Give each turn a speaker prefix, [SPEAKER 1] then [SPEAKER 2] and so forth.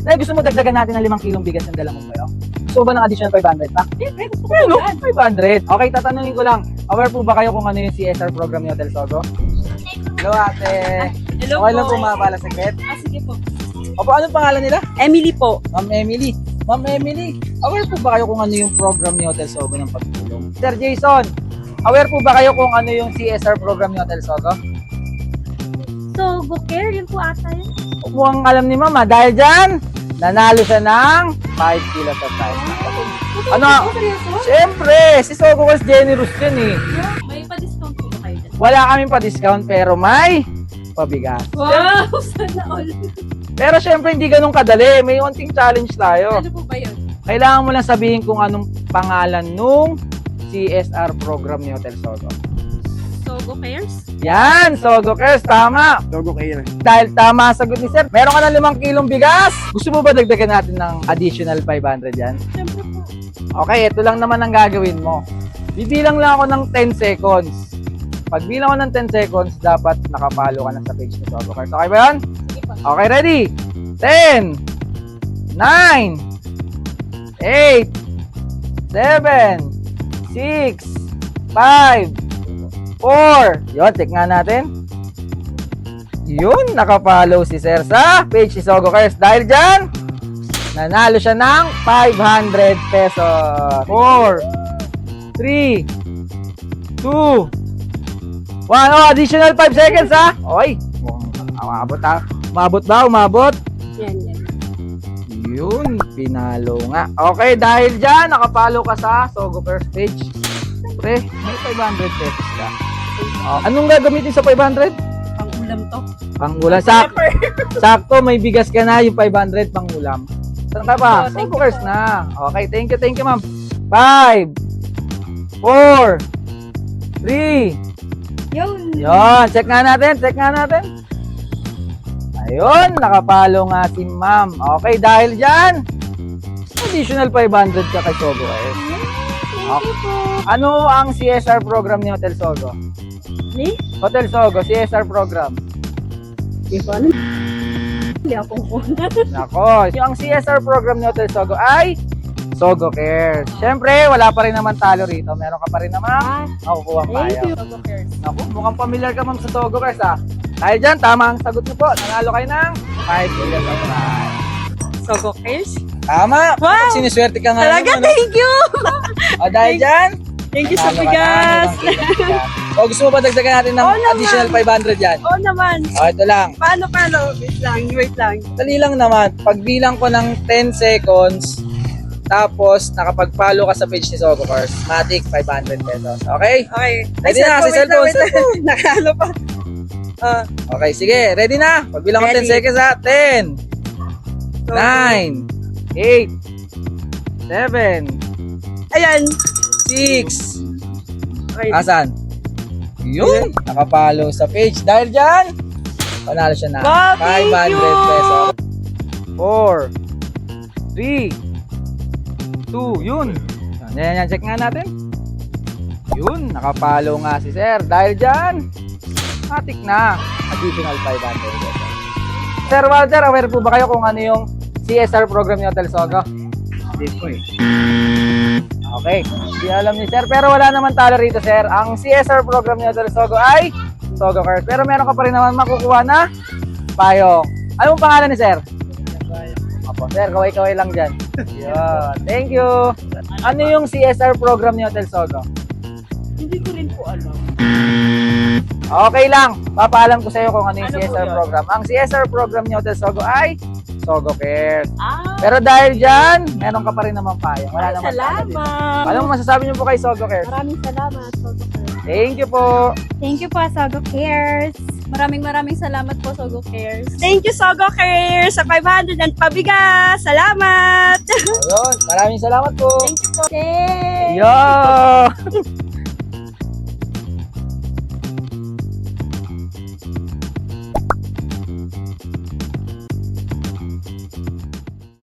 [SPEAKER 1] Dahil gusto mo dagdagan natin ng 5 kilong bigas ng dala mo kayo? Gusto mo ba ng additional 500 pa? Ano? 500? Okay, tatanungin ko lang. Aware po ba kayo kung ano yung CSR program ni Hotel Sogo? Hello, ate.
[SPEAKER 2] Hello
[SPEAKER 1] Okay lang
[SPEAKER 2] po.
[SPEAKER 1] po mabala saglit.
[SPEAKER 2] Sige po.
[SPEAKER 1] Opo, anong pangalan nila?
[SPEAKER 2] Emily po.
[SPEAKER 1] Ma'am Emily. Ma'am Emily, aware po ba kayo kung ano yung program ni Hotel Sogo ng pagtulong? Sir Jason, aware po ba kayo kung ano yung CSR program ni Hotel Sogo?
[SPEAKER 3] So, go care, yun po ata yun.
[SPEAKER 1] Mukhang alam ni Mama, dahil dyan, nanalo siya ng 5 kilos of rice. Ano? Siyempre, si Sogo was generous din eh.
[SPEAKER 2] May pa-discount po ba kayo dyan?
[SPEAKER 1] Wala kaming pa-discount pero may pabigas.
[SPEAKER 2] Wow! Sana all.
[SPEAKER 1] Pero syempre hindi ganun kadali, may unting challenge tayo.
[SPEAKER 2] Ano po ba yun?
[SPEAKER 1] Kailangan mo lang sabihin kung anong pangalan nung CSR program ni Hotel Sogo.
[SPEAKER 2] Sogo Cares?
[SPEAKER 1] Yan, Sogo Cares, tama.
[SPEAKER 4] Sogo kayo.
[SPEAKER 1] Dahil tama ang sagot ni Sir, meron ka ng 5 kilong bigas. Gusto mo ba dagdagan natin ng additional 500 yan?
[SPEAKER 2] Siyempre po.
[SPEAKER 1] Okay, ito lang naman ang gagawin mo. Bibilang lang ako ng 10 seconds. Pag bilang ko ng 10 seconds, dapat nakapalo ka na sa page ni Sogo Cares. Okay ba yan?
[SPEAKER 2] Sige po.
[SPEAKER 1] Okay, ready? 10, 9, 8, 7, 6, 5, 4. Yun, check nga natin. Yun, nakapollow si Sir sa page ni Sogo Cares. Dahil dyan, nanalo siya ng 500 pesos. 4, 3, 2, 1. Oh, additional 5 seconds ha. Oy, umabot ha. Umabot ba? Umabot?
[SPEAKER 2] Yan, yan.
[SPEAKER 1] Yun, pinalo nga. Okay, dahil dyan, nakapalo ka sa Sogo Cares page. Siyempre, may 500 pesos ka. Oh, anong gagamitin sa 500?
[SPEAKER 2] Pang-ulam to.
[SPEAKER 1] Pangulam. Sakto, may bigas ka na, yung 500 pangulam. Saan ka ba?
[SPEAKER 2] Oh, thank
[SPEAKER 1] Sogo
[SPEAKER 2] you
[SPEAKER 1] Cares
[SPEAKER 2] po.
[SPEAKER 1] na. Okay, thank you ma'am. 5, 4, 3,
[SPEAKER 2] Yun.
[SPEAKER 1] Yun, check nga natin. Ayun, nakapalo nga si ma'am. Okay, dahil dyan, additional 500 ka kay Sogo Cares.
[SPEAKER 2] Thank you po.
[SPEAKER 1] Ano ang CSR program ni Hotel Sogo?
[SPEAKER 2] Ni?
[SPEAKER 1] Hotel Sogo, CSR program.
[SPEAKER 2] Hindi ko alam. Hindi ako po.
[SPEAKER 1] Nako, yung CSR program ni Hotel Sogo ay Sogo Cares. Siyempre, wala pa rin naman talo rito. Meron ka pa rin naman makukuha
[SPEAKER 2] Thank
[SPEAKER 1] payo.
[SPEAKER 2] you. Sogo Cares.
[SPEAKER 1] Naku, mukhang familiar ka ma'am sa Sogo Cares ha. Dahil dyan, tama ang sagot niyo po. Nanalo kayo ng 5 kilos of rice.
[SPEAKER 2] Sogo Cares?
[SPEAKER 1] Tama!
[SPEAKER 2] Wow!
[SPEAKER 1] Siniswerte ka nga.
[SPEAKER 2] Talaga,
[SPEAKER 1] naman, ano?
[SPEAKER 2] thank you!
[SPEAKER 1] O dahil dyan,
[SPEAKER 2] Thank you sa
[SPEAKER 1] nanalo ka
[SPEAKER 2] bigas!
[SPEAKER 1] ng 5 kilos of rice. O gusto mo ba dagdagan natin ng
[SPEAKER 2] Oo naman.
[SPEAKER 1] additional 500 yan?
[SPEAKER 2] Oo naman.
[SPEAKER 1] O ito lang.
[SPEAKER 2] Paano? Wait lang.
[SPEAKER 1] Dali lang naman. Pagbilang ko ng 10 seconds, tapos nakapag-follow ka sa page ni Sogo Cares, matic 500 pesos. Okay?
[SPEAKER 2] Okay.
[SPEAKER 1] Ready na, si cellphone.
[SPEAKER 2] Nakalo pa.
[SPEAKER 1] Okay, sige. Ready na? Pagbilang ko 10
[SPEAKER 2] Ready.
[SPEAKER 1] seconds ha. 10, 9, 8, 7,
[SPEAKER 2] Ayan.
[SPEAKER 1] 6.
[SPEAKER 2] Okay.
[SPEAKER 1] Asan? Yun. Nakapollow sa page. Dahil dyan, panalo siya na
[SPEAKER 2] Wow, thank
[SPEAKER 1] 500
[SPEAKER 2] you.
[SPEAKER 1] pesos. 4, 3, 2, yun. Yan, check nga natin. Yun, nakapollow nga si Sir. Dahil dyan, matik na. Additional 500 pesos. Sir Walter, aware po ba kayo kung ano yung CSR program ni Hotel Sogo?
[SPEAKER 4] Hindi po eh.
[SPEAKER 1] Okay, hindi alam ni Sir. Pero wala naman talo rito, Sir. Ang CSR program ni Hotel Sogo ay Sogo Cares. Pero meron ka pa rin naman makukuha na payong. Anong pangalan ni Sir? Opo, Sir, kaway-kaway lang dyan. Yun. Thank you. Ano yung CSR program ni Hotel Sogo?
[SPEAKER 2] Hindi ko rin po alam.
[SPEAKER 1] Okay lang. Papaalam ko sa iyo kung ano yung
[SPEAKER 2] Ano po
[SPEAKER 1] CSR
[SPEAKER 2] yun?
[SPEAKER 1] program. Ang CSR program ni Hotel Sogo ay Sogo Cares.
[SPEAKER 2] Ah,
[SPEAKER 1] Pero dahil dyan, meron ka pa rin naman payong. Wala naman talo dito.
[SPEAKER 2] salamat.
[SPEAKER 1] Anong masasabi niyo po kay Sogo Cares?
[SPEAKER 2] Maraming salamat, Sogo Cares.
[SPEAKER 1] Thank you po.
[SPEAKER 3] Thank you po, Sogo Cares.
[SPEAKER 2] Maraming salamat po, Sogo Cares. Thank you, Sogo Cares, sa 500 and pabigas. Salamat!
[SPEAKER 1] Ayun, maraming salamat po.
[SPEAKER 2] Thank you po.
[SPEAKER 3] Yay!
[SPEAKER 1] Yo!